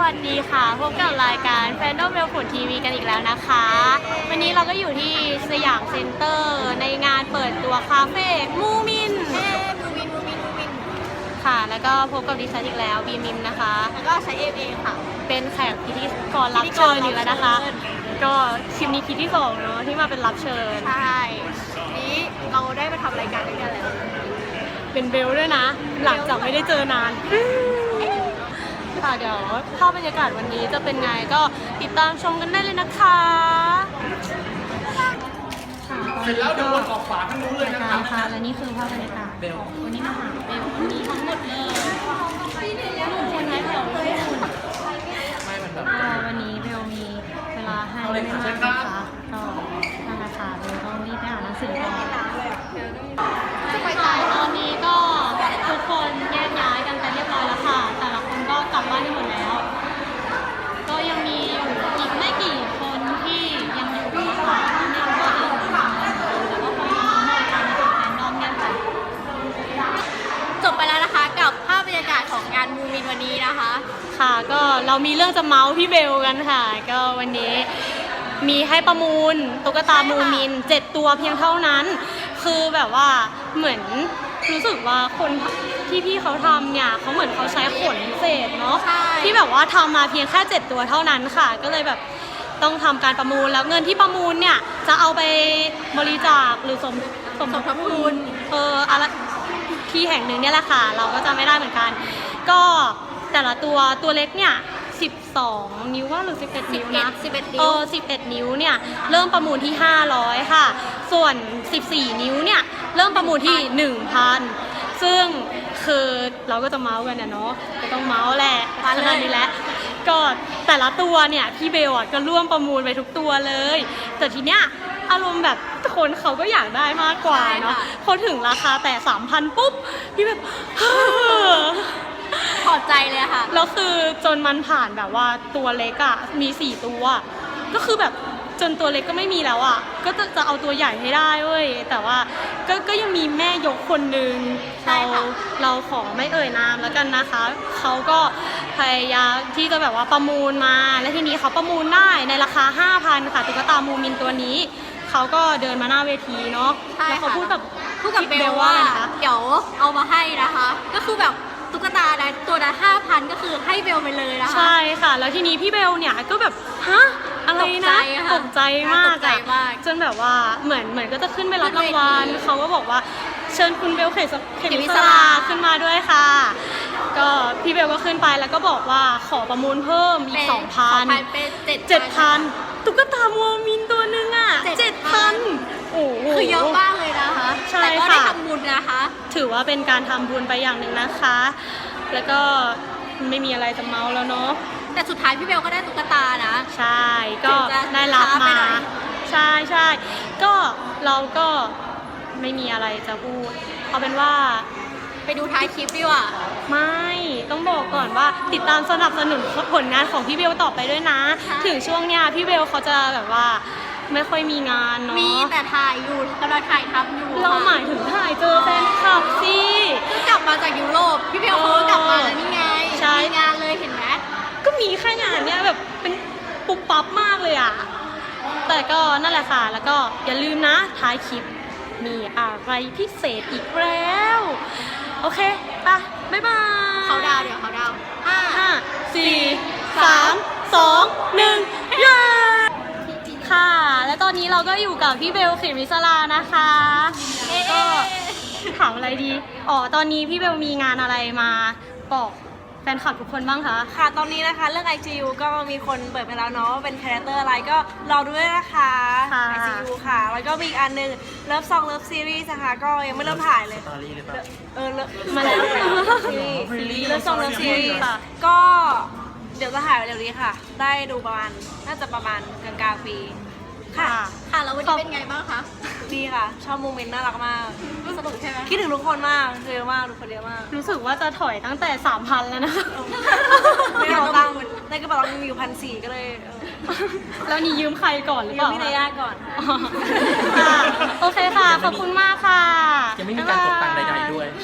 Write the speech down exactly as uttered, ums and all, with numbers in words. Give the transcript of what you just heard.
วัสดีค่ะพบกับรายการแฟนดอมเวลฝุ่นทีวีกันอีกแล้วนะคะ วันนี้เราก็อยู่ที่สยามเซ็นเตอร์ในงานเปิดตัวคาเฟ่มูมินเฮ้มูมินมูมินมูมินค่ะแล้วก็พบกับดิฉันอีกแล้วบีมิมนะคะแล้วก็ใช้เอฟเองค่ะเป็นแขกพิธีกรรับเชิญอีกแล้วนะคะก็คลิปนี้คลิปที่สองเนาะที่มาเป็นรับเชิญใช่นี้เราได้มาทำรายการด้วยกันแล้วเป็นเบลด้วยนะหลังจากไม่ได้เจอนานค่ะเดี๋ยวภาพบรรยากาศวันนี้จะเป็นไงก็ติดตามชมกันได้เลยนะคะเสร็จแล้วเดี๋ยววนออกฝาทั้งนู้นเลยนะครับค่ะและนี่คือภาพบรรยากาศวันนี้มาหาเบลวันนี้ทั้งหมดเลยคนไหนแถวเลยวันนี้เบลมีเวลาให้ไม่มากนะคะก็นั่นแหละค่ะเบลต้องรีบไปหาหนังสือก่อนตอนนี้ก็ทุกคนแยกย้ายกันไปเรียบร้อยแล้วค่ะแต่ละคนก็กลับบ้านกันหมดแล้วก็ยังมีอยู่อีกไม่กี่คนที่ยังอยู่นะคะที่ไม่รู้ว่าจะอยู่ไหนแต่ก็คอยมาหน่อยกันถึงแฟนดอมกันค่ะจบไปแล้วนะคะกับภาพบรรยากาศของงานมูมินวันนี้นะคะค่ะก็เรามีเรื่องจะเมาส์พี่เบลกันค่ะก็วันนี้มีให้ประมูลตุ๊กตามูมินเจ็ดตัวเพียงเท่านั้นคือแบบว่าเหมือนรู้สึกว่าคนที่พี่เขาทำเนี่ยเขาเหมือนเขาใช้ขนพิเศษเนาะที่แบบว่าทำมาเพียงแค่เจ็ดตัวเท่านั้นค่ะก็เลยแบบต้องทำการประมูลแล้วเงินที่ประมูลเนี่ยจะเอาไปบริจาคหรือสมสมทบทุนเอออะไรที่แห่งหนึ่งเนี่ยแหละค่ะเราก็จะไม่ได้เหมือนกันก็แต่ละตัวตัวเล็กเนี่ยสิบสองนิ้วว่าหรือสิบเอ็ดนิ้วนะสิบเอ็ดนิ้วเออสิบเอ็ดนิ้วเนี่ยเริ่มประมูลที่ห้าร้อยค่ะส่วนสิบสี่นิ้วเนี่ยเริ่มประมูลที่ หนึ่งพัน ซึ่งคือเราก็จะเมาส์กันนะเนาะก็ต้องเมาส์แหละขนาดนี้แหละก็แต่ละตัวเนี่ยพี่เบลอ่ะก็ร่วมประมูลไปทุกตัวเลยแต่ทีเนี้ยอารมณ์แบบคนเขาก็อยากได้มากกว่าเนาะพอถึงราคาแต่ สามพัน ปุ๊บพี่แบบพอใจเลยค่ะแล้วคือจนมันผ่านแบบว่าตัวเล็กอะมีสี่ตัวก็คือแบบจนตัวเล็กก็ไม่มีแล้วอะก็จะจะเอาตัวใหญ่ให้ได้เว้ยแต่ว่าก็ก็ยังมีแม่ยกคนนึงเราเราขอไม่เอ่ยนามแล้วกันนะคะเขาก็พยายามที่จะแบบว่าประมูลมาและทีนี้เขาประมูลได้ในราคา ห้าพัน ค่ะตุ๊กตามูมินตัวนี้เขาก็เดินมาหน้าเวทีเนาะแล้วเขาพูดกับพูดกับเบลว่าเดี๋ยวเอามาให้นะคะก็คือแบบตุ๊กตานะตัวละห้าพันก็คือให้เบลไปเลยนะคะใช่ค่ะแล้วทีนี้พี่เบลเนี่ยก็แบบฮะอะไรนะตกใจมากอะจนแบบว่าเหมือนเหมือนก็จะขึ้นไปรับรางวัลเขาก็บอกว่าเชิญคุณเบลเขมเขมิสราขึ้นมาด้วยค่ะก็พี่เบลก็ขึ้นไปแล้วก็บอกว่าขอประมูลเพิ่มอีก สองพัน เป็นเจ็ดพันตุ๊กตามูมินตัวนึงอ่ะเจ็ดพันโอ้โหคือเยอะมากเลยนะคะใช่ค่ะแต่ก็ได้ทำบุญนะคะถือว่าเป็นการทำบุญไปอย่างหนึ่งนะคะแล้วก็ไม่มีอะไรจะเมาแล้วเนาะแต่สุดท้ายพี่เบลก็ได้ตุ๊กตานะใช่ก็ได้รับมาใช่ใช่ก็เราก็ไม่มีอะไรจะพูดเอาเป็นว่าไปดูท้ายคลิปดีกว่าไม่ต้องบอกก่อนว่าติดตามสนับสนุนผลงานของพี่เบลต่อไปด้วยนะถึงช่วงเนี้ยพี่เบลเขาจะแบบว่าไม่ค่อยมีงานเนาะมีแต่ถ่ายอยู่กำลังถ่ายทำอยู่เราหมายถึงถ่ายเจอแฟนคลับสิก็กลับมาจากยุโรปพี่เบลเขากลับมาแล้วนี่ไงมีงานเลยเห็นไหมก็มีแค่งานเนี้ยแบบเป็นปุ๊บปั๊บมากเลยอ่ะแต่ก็นั่นแหละค่ะแล้วก็อย่าลืมนะท้ายคลิปมีอะไรพิเศษอีกแล้วโอเคไปบ๊ายบายเขาดาวเดี๋ยวเขาดาวห้าห้าสี่สามสองหนึ่งเย้ค่ะและตอนนี้เราก็อยู่กับพี่เบลเขมิสรานะคะก็ถามอะไรดีอ๋อตอนนี้พี่เบลมีงานอะไรมาบอกแฟนคลับทุกคนบ้างคะค่ะตอนนี้นะคะเรื่อง ไอ จี ยู ก็มีคนเปิดไปแล้วเนาะเป็นคาแรคเตอร์อะไรก็รอด้วยนะคะ ไอ จี ยู ค่ะแล้วก็มีอีกอันนึง Love Song Love Series นะคะก็ยังไม่เริ่มถ่ายเลยเออมาแล้วซีรีส์ Love Song Love Series ก็เดี๋ยวจะถ่ายเร็วนี้ค่ะได้ดูประมาณน่าจะประมาณกลางกลางปีค่ะค่ะแล้ววันนี้เป็นไงบ้างคะดีค่ะชอบโมเมนต์น่ารักมากสนุกใช่ไหมคิดถึงทุกคนมากเยอะมากทุกคนเยอะมากรู้สึกว่าจะถอยตั้งแต่ สามพัน แล้วนะไม่เอาตังค์ในกระเป๋าตังค์มีอยู่พันสี่ก็เลยแล้วนี่ยืมใครก่อนหรือเปล่ายืมพี่นายาก่อนโอเคค่ะขอบคุณมากค่ะยังไม่มีการกดตังค์ใดๆด้วย